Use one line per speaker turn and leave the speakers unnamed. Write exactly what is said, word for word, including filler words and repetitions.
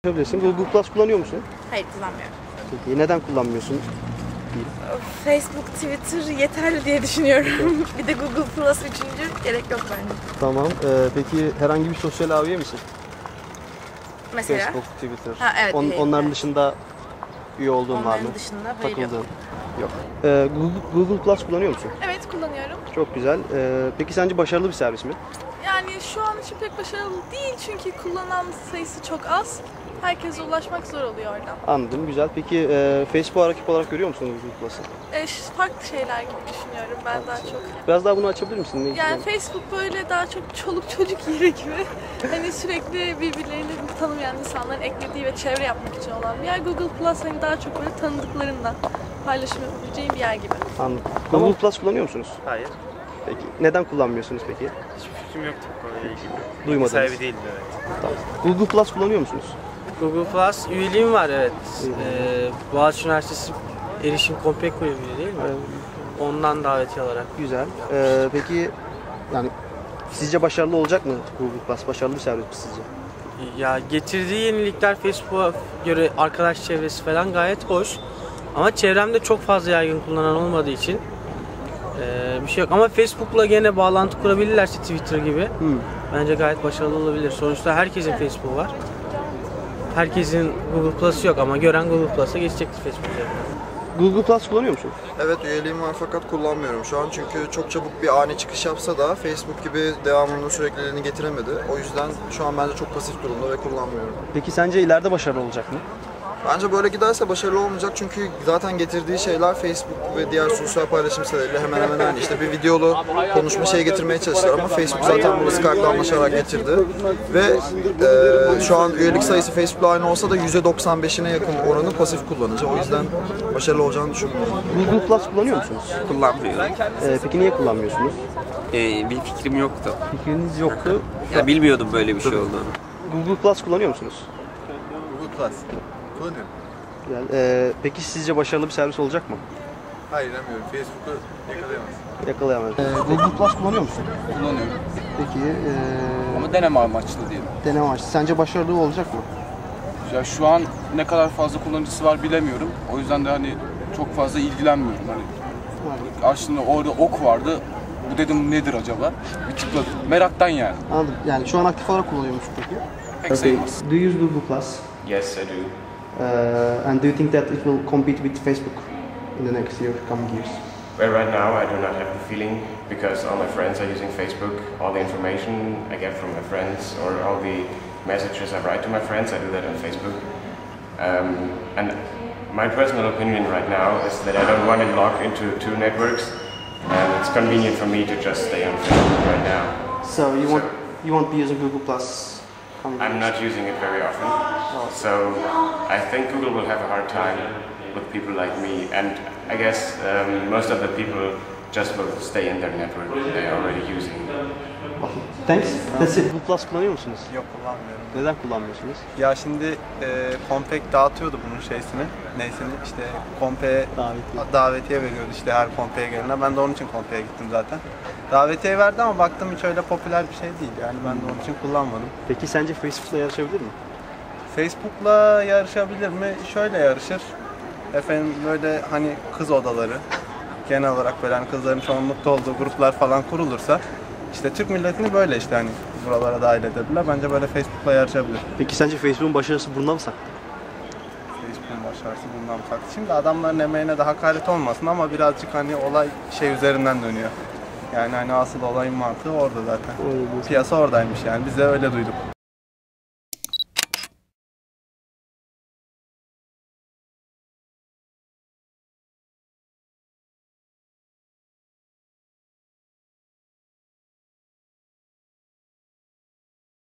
Yapabilirsin. Google Plus kullanıyor musun?
Hayır, kullanmıyorum.
Peki neden kullanmıyorsun?
Facebook, Twitter yeterli diye düşünüyorum. Bir de Google Plus üçüncü gerek yok bence.
Tamam. Ee, peki herhangi bir sosyal ağ üye misin?
Mesela?
Facebook, Twitter.
Ha, evet,
On,
değil,
onların
evet.
dışında üye olduğun
Onların
var mı?
dışında hayır, yok.
Takıldığın? Yok. Ee, Google, Google Plus kullanıyor musun?
Evet, kullanıyorum.
Çok güzel. Ee, peki sence başarılı bir servis mi?
Yani şu an için pek başarılı değil çünkü kullanan sayısı çok az. Herkese ulaşmak zor oluyor oradan.
Anladım. Güzel. Peki e, Facebook'a rakip olarak görüyor musun Google Plus'ı?
E, farklı şeyler gibi düşünüyorum ben daha çok.
Biraz daha bunu açabilir misin? Ne
Yani Facebook böyle daha çok çoluk çocuk yeri gibi. Hani sürekli birbirlerini tanımayan insanların eklediği ve çevre yapmak için olan bir yer. Google Plus hani daha çok böyle tanıdıklarından paylaşım yapabileceğin bir yer gibi.
Anladım. Google Plus kullanıyor musunuz?
Hayır.
Peki neden kullanmıyorsunuz peki?
Hiçbir fikrim yoktu bu konuyla ilgili.
Duymadınız.
Sahibi değilim, evet.
Tamam. Google Plus kullanıyor musunuz?
Google Plus üyeliğim var, evet. Ee, Boğaziçi Üniversitesi Erişim Kompek Kulübü değil mi? Ondan davetiye alarak.
Güzel. Ee, peki yani sizce başarılı olacak mı Google Plus? Başarılı bir servis mi sizce?
Ya getirdiği yenilikler Facebook'a göre arkadaş çevresi falan gayet hoş. Ama çevremde çok fazla yaygın kullanan olmadığı için ee, bir şey yok. Ama Facebook'la gene bağlantı kurabilirlerse Twitter gibi
Hmm.
bence gayet başarılı olabilir. Sonuçta herkesin Facebook'u var. Herkesin Google Plus'ı yok ama gören Google Plus'a geçecektir Facebook üzerinden.
Google Plus kullanıyor musun?
Evet, üyeliğim var fakat kullanmıyorum şu an çünkü çok çabuk bir ani çıkış yapsa da Facebook gibi devamlılığını, sürekliliğini getiremedi. O yüzden şu an bence çok pasif durumda ve kullanmıyorum.
Peki sence ileride başarılı olacak mı?
Bence böyle giderse başarılı olmayacak çünkü zaten getirdiği şeyler Facebook ve diğer sosyal paylaşım siteleriyle hemen hemen aynı. İşte bir videolu konuşma şeyi getirmeye çalıştılar ama Facebook zaten bunu Skype'la anlaşarak getirdi. Ve e, şu an üyelik sayısı Facebook'la aynı olsa da yüzde doksan beşine yakın oranı pasif kullanıcı. O yüzden başarılı olacağını düşünmüyorum.
Google Plus kullanıyor musunuz?
Kullanmıyorum.
Ee, peki niye kullanmıyorsunuz?
Ee, bir fikrim yoktu.
Fikriniz yoktu.
Ya bilmiyordum böyle bir şey olduğunu.
Google Plus kullanıyor musunuz?
Google Plus. Kullanıyorum.
Güzel. Ee, peki sizce başarılı bir servis olacak mı?
Hayır, inanmıyorum. Facebook'u yakalayamaz.
Yakalayamaz. Ee, Google Plus kullanıyor musun?
Kullanıyorum.
Peki ee,
Ama deneme amaçlı diyelim.
deneme amaçlı. Sence başarılı olacak mı?
Ya şu an ne kadar fazla kullanıcısı var bilemiyorum. O yüzden de hani çok fazla ilgilenmiyorum. Hani aslında orada ok vardı. Bu dedim nedir acaba? Bir tıkladım. Meraktan yani.
Anladım. Yani şu an aktif olarak kullanıyor musun peki?
Pek sayılmaz.
Do you use Google Plus?
Yes, I do.
Uh, and do you think that it will compete with Facebook in the next year, coming years?
Well, right now I do not have the feeling because all my friends are using Facebook. All the information I get from my friends or all the messages I write to my friends, I do that on Facebook. Um, and my personal opinion right now is that I don't want to log into two networks, and it's convenient for me to just stay on Facebook right now.
So you
So-
won't you won't be using Google Plus? coming
I'm
years?
not using it very often, so I think Google will have a hard time with people like me, and I guess um, most of the people just will stay in their network they are already using.
Thanks. That's it. Google Plus kullanıyor musunuz?
Yok, kullanmıyorum.
Neden kullanmıyorsunuz?
Ya şimdi e, Kompek dağıtıyordu bunun şeysini, neysini işte Kompek'e
Davetiye.
davetiye veriyordu işte her Kompek'e gelene. Ben de onun için Kompek'e gittim zaten. Davetiye verdi ama baktım hiç öyle popüler bir şey değil, yani ben de onun için kullanmadım.
Peki sence Facebook'la yarışabilir mi?
Facebook'la yarışabilir mi? Şöyle yarışır. Efendim böyle hani kız odaları, genel olarak böyle hani kızların çoğunlukta olduğu gruplar falan kurulursa işte Türk milletini böyle işte hani buralara dahil edebilirler. Bence böyle Facebook'la yarışabilir.
Peki sence Facebook'un başarısı burnuna mı saklı?
Facebook'un başarısı bundan farklı. Şimdi adamların emeğine de hakaret olmasın ama birazcık hani olay şey üzerinden dönüyor. Yani hani asıl olayın mantığı orada zaten. Piyasa oradaymış yani. Biz de öyle duyduk.